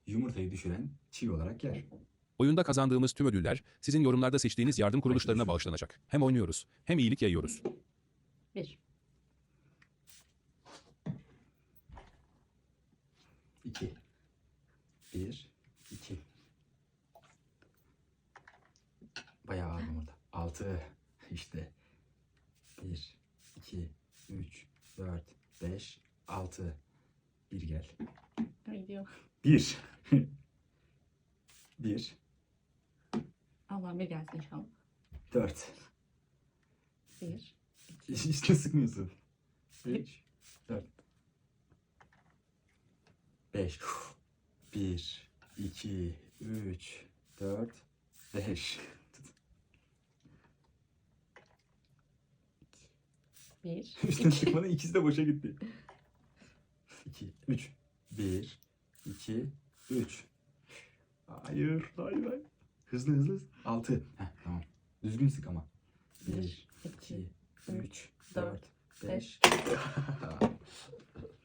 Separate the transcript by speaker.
Speaker 1: yumurtayı düşüren çiğ olarak yer.
Speaker 2: Oyunda kazandığımız tüm ödüller sizin yorumlarda seçtiğiniz yardım kuruluşlarına bağışlanacak. Hem oynuyoruz hem iyilik yayıyoruz.
Speaker 3: 1,
Speaker 1: 2 1 2 Bayağı ağır yumurta. 6 işte 1 2 3 4 5 6 Bir gel.
Speaker 3: gidiyor.
Speaker 1: 1 1
Speaker 3: Allah'ım bir gelsin inşallah.
Speaker 1: 4
Speaker 3: 1,
Speaker 1: İşte sıkmıyorsun. 3 4 5 1 2 3 4 5
Speaker 3: 1,
Speaker 1: Üstten sıkmanın ikisi de boşa gitti. 2 3 1 2 3 Hayır, hayır, hayır. Hızlı hızlı. 6. Heh, tamam. Düzgün sık ama. 1 2 3 4 5